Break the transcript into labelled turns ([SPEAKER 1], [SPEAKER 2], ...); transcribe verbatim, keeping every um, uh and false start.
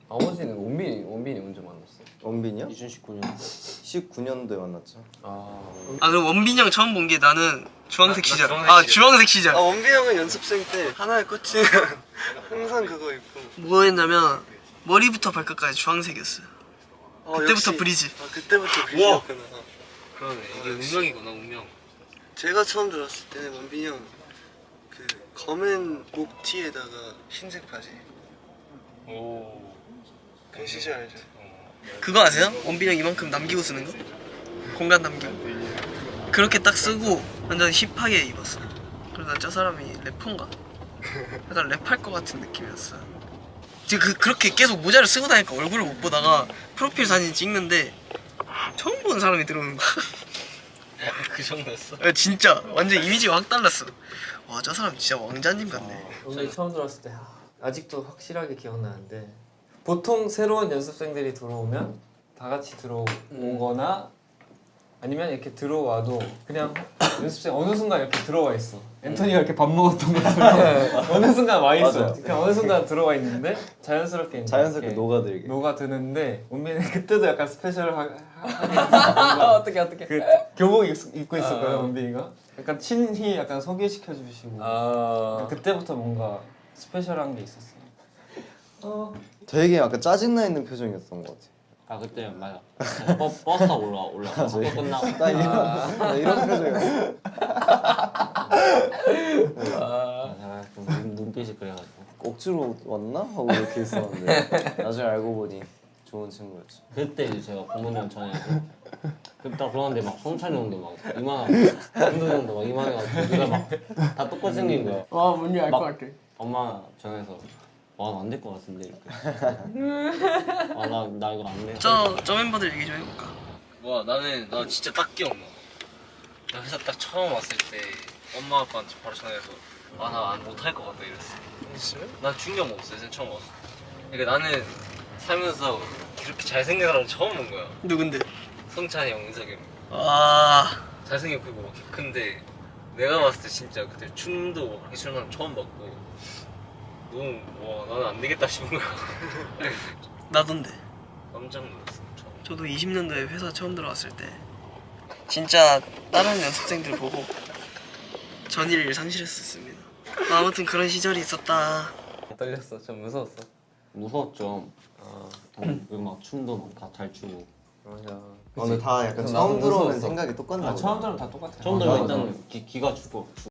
[SPEAKER 1] 나머지는 원빈이 원빈이 언제 만났어?
[SPEAKER 2] 원빈이요?
[SPEAKER 1] 이천십구 년.
[SPEAKER 2] 십구 년도에 만났죠.
[SPEAKER 1] 아.
[SPEAKER 3] 아 그럼 원빈이 형 처음 본 게 나는 주황색
[SPEAKER 4] 나- 나
[SPEAKER 3] 시절.
[SPEAKER 4] 주황색
[SPEAKER 3] 아
[SPEAKER 4] 시절.
[SPEAKER 3] 주황색 시절.
[SPEAKER 5] 아 원빈 형은 연습생 때 하나에 꽂히면 항상 그거 입고.
[SPEAKER 3] 뭐 했냐면 머리부터 발끝까지 주황색이었어요.
[SPEAKER 5] 어,
[SPEAKER 3] 그때부터
[SPEAKER 5] 역시.
[SPEAKER 3] 브리즈.
[SPEAKER 5] 아 그때부터 브리즈였구나.
[SPEAKER 4] 그러네. 이게 운명이구나 운명.
[SPEAKER 5] 제가 처음 들었을 때는 원빈이 형 그 검은 목 티에다가 흰색 바지.
[SPEAKER 4] 오.
[SPEAKER 5] 그 시절 알죠?
[SPEAKER 3] 그거 아세요? 원빈이 형 이만큼 남기고 쓰는 거? 공간 남기고. 그렇게 딱 쓰고 완전 힙하게 입었어. 그래서 난 저 사람이 래퍼인가? 약간 랩할 것 같은 느낌이었어. 지금 그, 그렇게 계속 모자를 쓰고 다니까 얼굴을 못 보다가 프로필 사진 찍는데 처음 보는 사람이 들어오는 거야.
[SPEAKER 4] 그 정도였어?
[SPEAKER 3] 야, 진짜 완전 이미지가 확 달랐어. 와 저 사람 진짜 왕자님 같네.
[SPEAKER 1] 원빈이 처음 들어왔을 때 아, 아직도 확실하게 기억나는데 보통 새로운 연습생들이 들어오면 다 같이 들어오거나 아니면 이렇게 들어와도 그냥 연습생 어느 순간 이렇게 들어와 있어. 앤토니가 이렇게 밥 먹었던 것처럼 어느 순간 와 있어.
[SPEAKER 2] 맞아요.
[SPEAKER 1] 그냥 어느 순간 들어와 있는데 자연스럽게 이제
[SPEAKER 2] 자연스럽게
[SPEAKER 1] 이렇게
[SPEAKER 2] 녹아들게.
[SPEAKER 1] 녹아드는데 원빈이 그때도 약간 스페셜하게 어떻게 어떻게 그 교복 입- 입고 있었거든. 원빈이가 약간 친히 약간 소개시켜 주시고
[SPEAKER 4] 아.
[SPEAKER 1] 그때부터 뭔가 스페셜한 게 있었어요. 어.
[SPEAKER 2] 되게 약간 짜증나 있는 표정이었던 것 같아.
[SPEAKER 6] 아 그때 맞아. 버, 버스 타고 올라 올라. 학교 끝나고.
[SPEAKER 2] 나 이런 나 이런 표정이었어.
[SPEAKER 6] 아, 제가 좀 눈- 눈빛이 그래가지고.
[SPEAKER 2] 억지로 왔나 하고 이렇게 있었는데 나중에 알고 보니 좋은 친구였지.
[SPEAKER 6] 그때 이제 제가 부모님 전화해서 그때 딱 그러는데 막 성찬이 형도 막 이만하고 현도 형도 막 이만해가지고 우리가 막 다 똑같이 생긴 거야.
[SPEAKER 3] 와 뭔지 알 것 같아.
[SPEAKER 6] 엄마 전화해서 와 안 될 것 같은데 이렇게. 아나 나 이거 안 돼.
[SPEAKER 3] 저, 저 멤버들 얘기 좀 해볼까?
[SPEAKER 4] 와 나는 나 진짜 딱 기억나. 나 회사 딱 처음 왔을 때 엄마 아빠한테 바로 전화해서 아 나 못할 것 같다 이랬어.
[SPEAKER 5] 진짜요?
[SPEAKER 4] 나 중경 없어 요 처음 왔어. 그러니까 나는 살면서 그렇게 잘생긴 사람 처음 본 거야.
[SPEAKER 3] 누군데?
[SPEAKER 4] 성찬이 형, 은석이 형.
[SPEAKER 3] 아
[SPEAKER 4] 잘생겼고 막 근데 내가 봤을 때 진짜 그때 춤도 막 그렇게 추는 사람 처음 봤고 너무 와 나는 안 되겠다 싶은 거야.
[SPEAKER 3] 나던데.
[SPEAKER 4] 깜짝 놀랐어 처음.
[SPEAKER 3] 저도 이십 년도에 회사 처음 들어왔을 때 진짜 다른 연습생들 보고 전의를 상실했었습니다. 아무튼 그런 시절이 있었다.
[SPEAKER 1] 떨렸어. 좀 무서웠어.
[SPEAKER 6] 무서웠죠.
[SPEAKER 1] 아
[SPEAKER 6] 그리고 막 춤도 막 다 잘 추고.
[SPEAKER 1] 맞아.
[SPEAKER 2] 어, 근데 다 약간
[SPEAKER 1] 그래서
[SPEAKER 2] 처음
[SPEAKER 1] 나도
[SPEAKER 2] 들어오는
[SPEAKER 1] 무서웠어.
[SPEAKER 2] 생각이 똑같나
[SPEAKER 1] 아
[SPEAKER 2] 보다.
[SPEAKER 1] 처음 들으면 다 똑같아.
[SPEAKER 6] 처음
[SPEAKER 2] 맞아,
[SPEAKER 6] 들어
[SPEAKER 2] 맞아.
[SPEAKER 6] 일단 기, 기가 죽어.